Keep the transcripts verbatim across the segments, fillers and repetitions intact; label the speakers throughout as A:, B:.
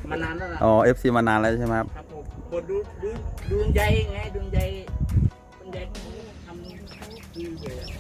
A: มานานแล้วนะ
B: อ๋อ เอฟ ซี มานานแล้วใช่ไหมครับ
A: ครับผมกดดูดูดูดวงใจไงดวงใจดวงใจของทำดีเลยอะ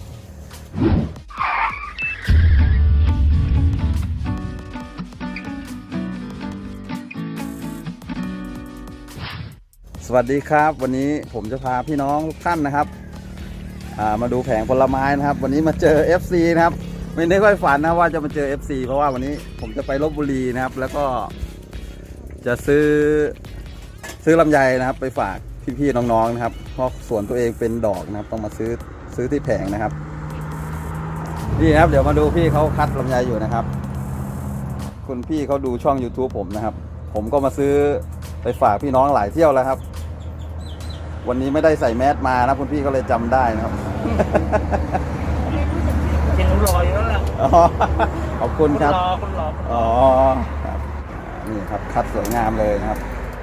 B: สวัสดีครับวันนี้ผมจะพาพี่น้องทุกท่านนะครับมาดูแผงผลไม้นะครับวันนี้มาเจอ เอฟ ซี นะครับไม่ได้ค่อยฝันนะว่าจะมาเจอ เอฟ ซี เพราะว่าวันนี้ผมจะไปลพบุรีนะครับแล้วก็จะซื้อซื้อลำไยนะครับไปฝากพี่ๆน้องๆนะครับเพราะสวนตัวเองเป็นดอกนะครับต้องมาซื้อซื้อที่แผงนะครับนี่นะครับเดี๋ยวมาดูพี่เขาคัดลำไยอยู่นะครับคุณพี่เขาดูช่อง ยูทูบ ผมนะครับผมก็มาซื้อไปฝากพี่น้องหลายเที่ยวแล้วครับวันนี้ไม่ได้ใส่แมสมานะคุณพี่ก็เลยจำได้นะครับ
A: เห็นรอยแล้วล่ะ
B: ขอบคุณครับ
A: คนรอคนรอ
B: อ๋อครับนี่ครับคัดสวยงามเลยนะครับ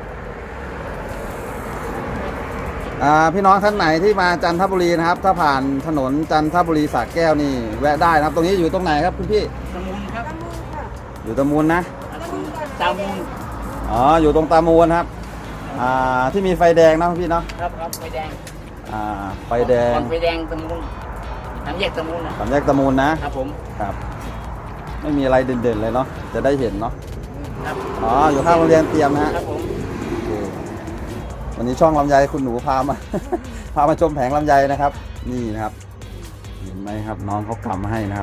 B: อ่าพี่น้องท่านไหนที่มาจันทบุรีนะครับถ้าผ่านถนนจันทบุรีสระแก้วนี่แวะได้นะครับตรงนี้อยู่ตรงไหนครับคุณพี่
A: ตะมูลครับ
B: อยู่ตะมูลนะ
A: ตะมูล
B: อ๋ออยู่ตรงตะมูลครับอ่าที่มีไฟแดงนะพี่เนาะ
A: ครับครับไฟแดง
B: อ่าไฟแดง
A: ไฟแดงตะมูลสามแยกตะมูลนะ
B: สามแยกตะมูลนะครับ
A: ผม
B: ครับไม่มีอะไรเด่นๆเลยเนาะจะได้เห็นเนาะ
A: ครับ
B: อ๋ออยู่ข้างโรงเรียนเตรียมนะฮะ
A: ครับผม
B: วันนี้ช่องลำไยคุณหนูพามา พามาชมแผงลำไยนะครับนี่นะครับเห็นไหมครับน้องเขากำมาให้นะครับ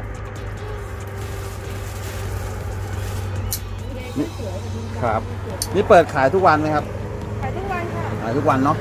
B: นี่ครับนี่เปิดขายทุกวันไหมครับ
C: ขายทุกวันค่ะ
B: ขายทุกวันเนาะ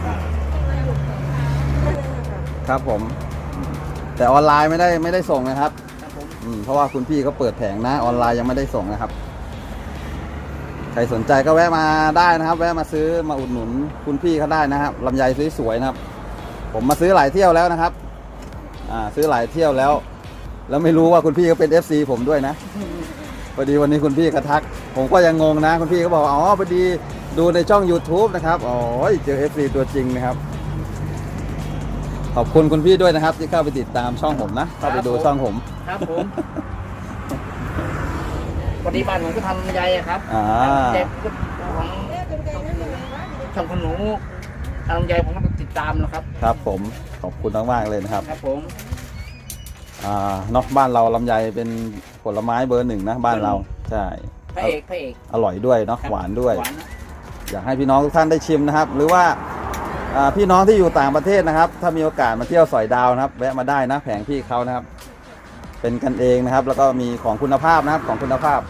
B: ครับผมแต่ออนไลน์ไม่ได้ไม่ได้ส่งนะครับเพราะว่าคุณพี่เขาเปิดแผงนะออนไลน์ยังไม่ได้ส่งนะครับใครสนใจก็แวะมาได้นะครับแวะมาซื้อมาอุดหนุนคุณพี่เขาได้นะครับลำไยสวยๆนะครับผมมาซื้อหลายเที่ยวแล้วนะครับอ่าซื้อหลายเที่ยวแล้วแล้วไม่รู้ว่าคุณพี่เขาเป็น เอฟ ซี ผมด้วยนะพอดีวันนี้คุณพี่กระทักผมก็ยังงงนะคุณพี่ก็บอกอ๋อพอดีดูในช่อง ยูทูบ นะครับอ๋อเจอ เอฟ ซี ตัวจริงนะครับขอบคุณคุณพี่ด้วยนะครับที่เข้าไปติดตามช่องผมนะเข้าไปดูช่องผม
A: ครับผมปฏิบัติผมก็ทำลำไยครับเด็กของช่องคุณหนูทำลำไยผมก็ติดตามนะครับ
B: ครับผมขอบคุณมากๆเลยนะครับ
A: ครับผม
B: อ่าเนาะบ้านเราลำไยเป็นผลไม้เบอร์หนึ่งนะบ้านเราใช่
A: พระเอกพระเอก
B: อร่อยด้วยเนาะหวานด้วยอยากให้พี่น้องทุกท่านได้ชิมนะครับหรือว่าพี่น้องที่อยู่ต่างประเทศนะครับถ้ามีโอกาสมาเที่ยวสอยดาวนะครับแวะมาได้นะแผงพี่เขานะครับเป็นกันเองนะครับแล้วก็มีของคุณภาพนะครับของคุณภาพ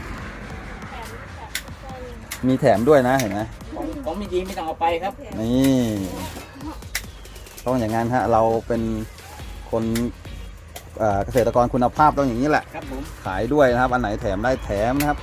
B: มีแถมด้วยนะเห็นไหม
A: ของมีดีไม่ต้องเอาไปครับ
B: นี่ต้องอย่างนั้นฮะเราเป็นคนเกษตรกรคุณภาพต้องอย่างนี้แหละ
A: ครับผม
B: ขายด้วยนะครับอันไหนแถมได้แถมนะครับ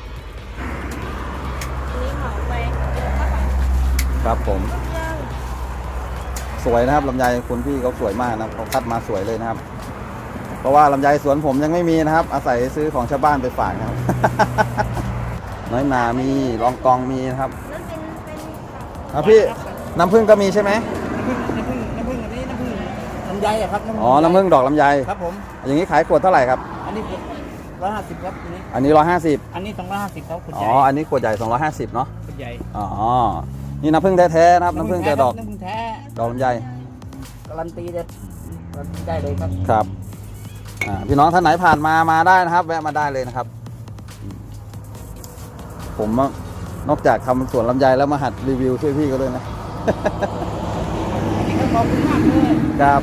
B: ครับผมสวยนะครับลำไยคุณพี่เขาสวยมากนะเขาคัดมาสวยเลยนะครับเพราะว่าลำไยสวนผมยังไม่มีนะครับอาศัยซื้อของชาวบ้านไปฝากนะครับ น้อยนามีรองกองมีนะครับอ่ะพี่น้ำผึ้งก็มีใช่ไหม
A: น้ำผึ้งน้ำผึ้งอันนี้น้ำผึ้งลำไยอะครับ
B: อ๋อน้ำผึ้งดอกลำไย
A: ครับผม
B: อย่างนี้ขายขวดเท่าไหร่ครับ
A: อันนี้ร้อยห้าสิบครับอันนี้
B: อันนี้ร้อยห้าสิบ
A: อันนี้สองร้อยห้าสิบครับขวดใหญ่
B: อ๋ออันนี้ขวดใหญ่สองร้อยห้าสิบเนาะ
A: ขวดใหญ่
B: อ๋อนี่น้ำผึ้งแท้ๆนะครับน้ำผึ้งแต่ดอก
A: น้ำผึ้งแท้
B: ดอกลำไย
A: การันตีได้การันตีได้เลยครับ
B: ครับอ่าพี่น้องท่านไหนผ่านมามาได้นะครับแวะมาได้เลยนะครับผมนอกจากทำสวนลำไยแล้วมาหัดรีวิวช่วยพี่ก็ด้วยนะ
A: ขอบคุณมากเลย
B: ครับ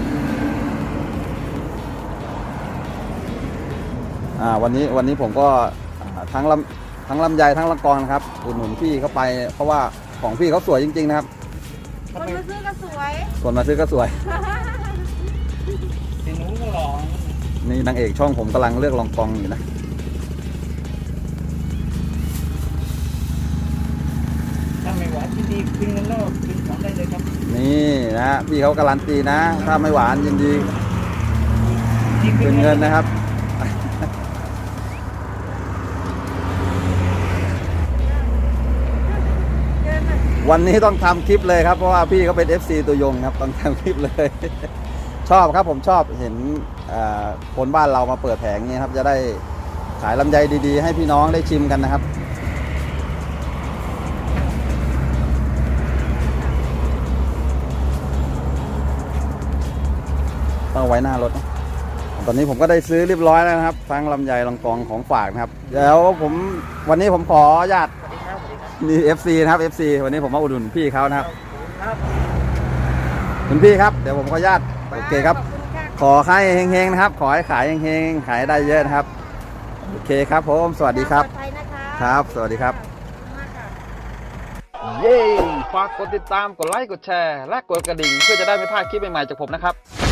B: อ่าวันนี้วันนี้ผมก็ทั้งลำทั้งลำไยทั้งละกองนะครับอุดหนุนพี่เข้าไปเพราะว่าของพี่เขาสวยจริงๆนะครับ
C: คนมาซื้อก็สวย
B: คนมาซื้อก็สวย
A: เห็นหนูก็หล่อ
B: นี่นางเอกช่องผมกำลังเลือกลองกองอยู่นะ
A: ถ้าไม่หวานยินดีกินเงินแล้วกินของได้เลยครับ
B: นี่นะพี่เขาการันตีนะถ้าไม่หวานยินดีคืนเงินนะครับวันนี้ต้องทำคลิปเลยครับเพราะว่าพี่เขาเป็น เอฟ ซี ตัวยงครับต้องทำคลิปเลยชอบครับผมชอบเห็นคนบ้านเรามาเปิดแผงนี้ครับจะได้ขายลำไยดีๆให้พี่น้องได้ชิมกันนะครับเอาไว้หน้ารถนะตอนนี้ผมก็ได้ซื้อเรียบร้อยแล้วนะครับทั้งลำไยลองกองของฝากนะครับเดี๋ยวผมวันนี้ผมขออนุญาต
A: สวัสดีครับสวัสดีครับ
B: นี่ เอฟ ซี นะครับ เอฟ ซี วันนี้ผมมาอุดหนุนพี่เขานะครับ
A: ครับ
B: คุณพี่ครับเดี๋ยวผมขออนุญาตโอเคครับ
C: ขอบคุณค่ะ
B: ขอให้เฮงๆนะครับ ขอให้ขายเฮงๆขายได้เยอะนะครับโอเคครับผมสวัสดีครับ
C: ปลอดภัยนะคะ
B: ครับสวัสดีครับ
C: ขอบคุณมากค่ะ
B: เย้ฝากกดติดตามกดไลค์กดแชร์และกดกระดิ่งเพื่อจะได้ไม่พลาดคลิปใหม่ๆจากผมนะครับ